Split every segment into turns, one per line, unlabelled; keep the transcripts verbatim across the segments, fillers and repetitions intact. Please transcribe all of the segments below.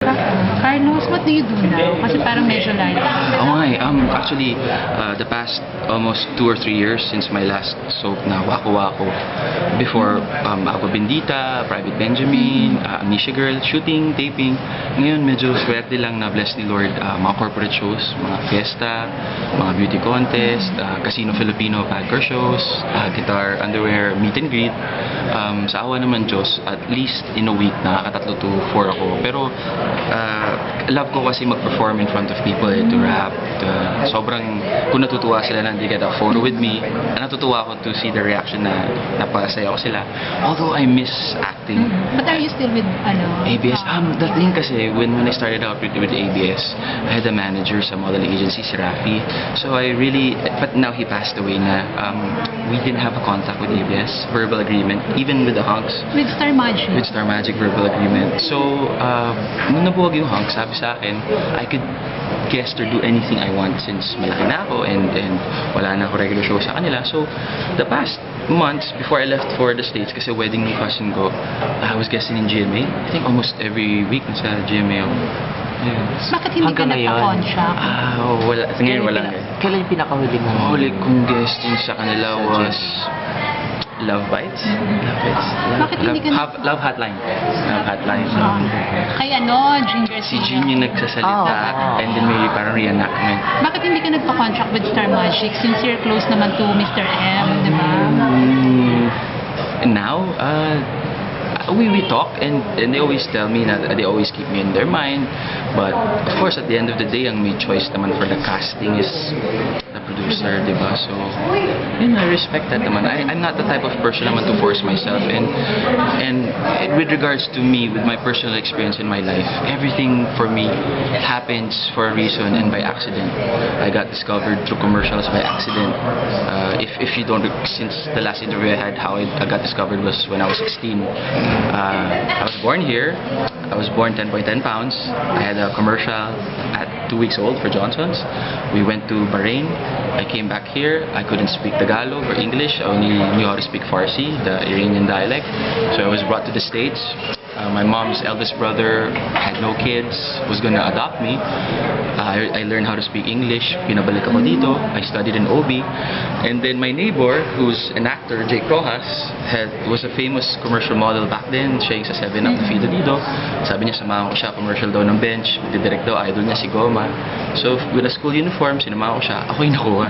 Carlos, what do you do now? Kasi parang medyo light.
Oo nga eh. Um, actually, uh, the past almost two or three years since my last soap na Waku Waku. Before, um, Ako Bendita, Private Benjamin, uh, Amnesia Girl, shooting, taping. Ngayon, medyo swerte lang na bless ni Lord. Uh, mga corporate shows, mga fiesta, mga beauty contest, uh, Casino Filipino, Padcore shows, uh, guitar, underwear, meet and greet. Um, sa awa naman Diyos, at least in a week, nakakatatlo to four ako. Pero, uh, love ko kasi mag-perform in front of people, eh, to rap. Uh, sobrang, kung natutuwa sila na hindi get a photo with me, natutuwa ako to see the reaction na napasaya ko sila. Although I miss acting.
But are you still with, ano?
A B S, um, the thing kasi, when, when I started out with, with A B S, I had a manager sa modeling agency, si Rafi. So I really, but now he passed away na, um, we didn't have a contact with A B S, verbal agreement, even with the hunks.
With Star Magic?
With Star Magic verbal agreement. So, uh, nung nabuwag yung hunks, sabi sa akin, I could guest or do anything I want since malaki na ako and, and wala na ako regular show sa kanila. So, the past months before I left for the States, kasi wedding ng cousin ko, I was guesting in G M A. I think almost every week nasa G M A ako. Ayun.
Bakit hindi ka
Hanggang ngayon?
nagpa-contract?
Ah, wala. Ngayon wala.
Kailan, kailan yung pinakahuli mo?
Huli kong guesting sa kanila was Love Bites. Love Bites. Love,
Bakit hindi ka
love, love Hotline. Love Hotline.
Ah. Kay ano, Jean
Si
Garcia?
Jean yung nagsasalita
Oh.
and then may parang reenactment.
Bakit hindi ka nagpa-contract with Star Magic since you're close naman to Mister M, di ba?
Mm, now, uh, we we talk and and they always tell me that they always keep me in their mind. But of course, at the end of the day, ang may choice naman for the casting is the producer, di ba? So, yun, I respect that naman. I, I'm not the type of person naman to force myself. And and with regards to me, with my personal experience in my life, everything for me happens for a reason and by accident. I got discovered through commercials by accident. Uh, if if you don't, since the last interview I had, how I, I got discovered was when I was sixteen. Uh, I was born here. I was born ten point one zero pounds. I had a commercial at two weeks old for Johnson's. We went to Bahrain. I came back here. I couldn't speak Tagalog or English. I only knew how to speak Farsi, the Iranian dialect. So I was brought to the States. Uh, my mom's eldest brother had no kids, was gonna adopt me. Uh, I, I learned how to speak English. Pinabalik ako dito. I studied in O B. And then my neighbor, who's an actor, Jake Rojas, had, was a famous commercial model back then. Siya yung sa seven up na Fido dito. Sabi niya, samahan ko siya, commercial daw ng bench. Didirect daw, idol niya si Goma. So with a school uniform, sinamahan ko siya. Ako yung nakuha.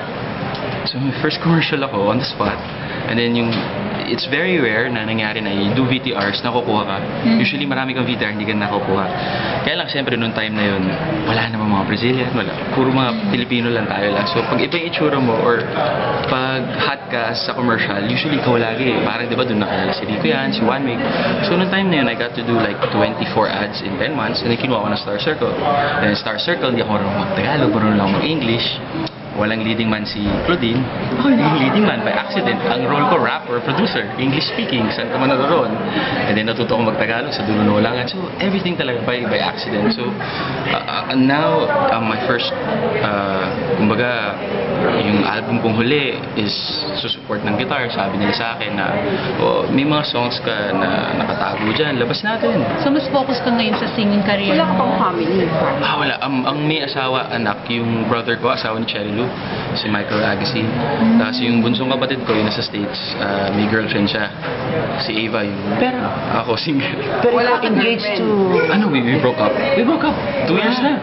So my first commercial ako on the spot. And then yung, it's very rare na nangyari na you do V T Rs, nakukuha ka.
Mm.
Usually marami kang V T R, hindi ka nakukuha. Kaya lang siyempre noong time na yun, wala naman mga Brazilian, wala. Puro mga Pilipino lang tayo lang. So pag iba yung itsura mo or pag hot ka sa commercial, usually ikaw lagi. Parang di ba doon nakalala si Rico yan, si One Week. So noong time na yun, I got to do like twenty-four ads in ten months and then kinuha ko ng Star Circle. And Star Circle, hindi ako marunong mag-Tagalog, marunong lang mag-English. Walang leading man si Claudine. Ako yung leading man by accident. Ang role ko, rapper, producer, English speaking, saan ka man naroon. And then natuto ko mag-Tagalog sa dulo ng ulangan. So everything talaga by by accident. So uh, uh, now, uh, my first, uh, kumbaga, yung album kong huli is susupport ng guitar. Sabi nila sa akin na, oh, may mga songs ka na nakatago dyan, labas natin.
So mas focus ka ngayon sa singing career
Wala ka pang
mo?
family.
Ah, wala. Ang, ang may asawa, anak, yung brother ko, asawa ni Cherry Lou, si Michael Agassi. Tapos yung bunsong kapatid ko, yung nasa States, ah, may girlfriend siya. Si Ava, yung
Pero,
ako, single.
pero
Wala
ikaw
kang
engaged to...
Ano, we, we broke up. We broke up. Two years na.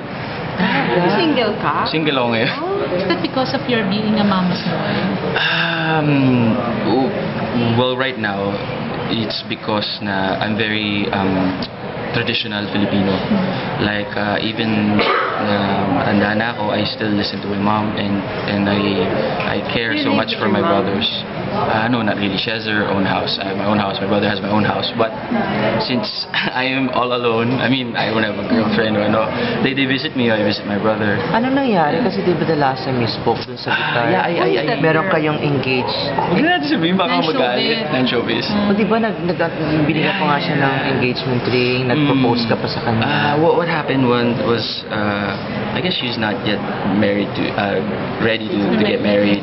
Single ka?
Single ako ngayon.
Is that because of your being a mama's boy?
Um, w- well, right now, it's because na I'm very um, traditional Filipino. Like, uh, even na matanda na ako, I still listen to my mom and and I I care so much for my brothers. Uh, no, not really. She has her own house. I have my own house. My brother has my own house. But since I am all alone, I mean, I don't have a girlfriend or ano, they, they visit me, I visit my brother.
Ano nangyari? Kasi di ba the last time you spoke dun sa guitar,
yeah, I- I- I-
meron kayong engaged.
Huwag na natin sabihin, baka
Non-showbiz.
magalit. Non-showbiz.
O di ba nag, nag, binigyan ko nga siya ng engagement ring, nag-propose ka pa sa kanya.
Uh, what, what happened one was, uh, I guess she's not yet married to, uh, ready to, to get married.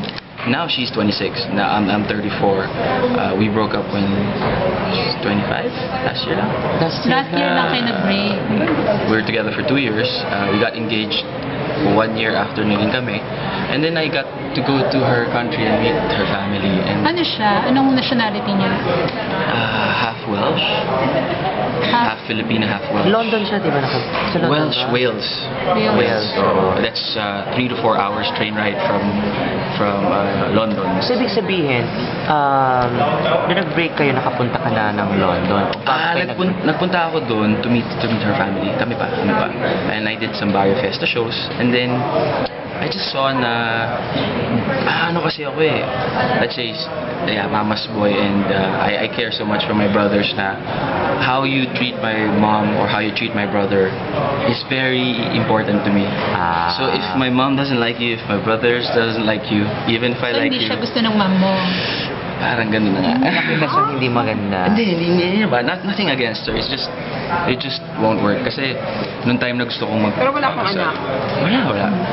now she's twenty-six. Now I'm, I'm thirty-four. Uh, we broke up when she's twenty-five last year lang.
Last
Last year lang kayo nag-break.
We were together for two years. Uh, we got engaged one year after naging kami. And then I got to go to her country and meet her family. And
Ano siya? Anong nationality niya?
uh, half Welsh, half Filipino, half Welsh.
London siya, di ba? Naka- sa London
Welsh,
ba?
Wales.
Wales.
Wales. So that's uh, three to four hours train ride from from uh, London.
So, ibig sabihin, um, nung nag-break kayo, nakapunta ka na ng London. O bakit
Ah,
kayo
nagpun- nagpunta ako doon to meet to meet her family. Kami pa, kami pa. And I did some Barrio Festa shows. And then I just saw na ah, ano kasi ako eh. Let's say, yeah, mama's boy, and uh, I, I care so much for my brothers na how you treat my mom or how you treat my brother is very important to me.
Ah.
So if my mom doesn't like you, if my brothers doesn't like you, even if I
So,
like
hindi
you,
siya gusto ng mom mo.
parang ganun na nga.
Nakita sa hindi maganda.
Hindi, hindi, hindi, hindi ba? Not, nothing against her. It's just, it just won't work. Kasi, nung time na gusto kong mag...
Pero wala kang anak?
Wala, wala.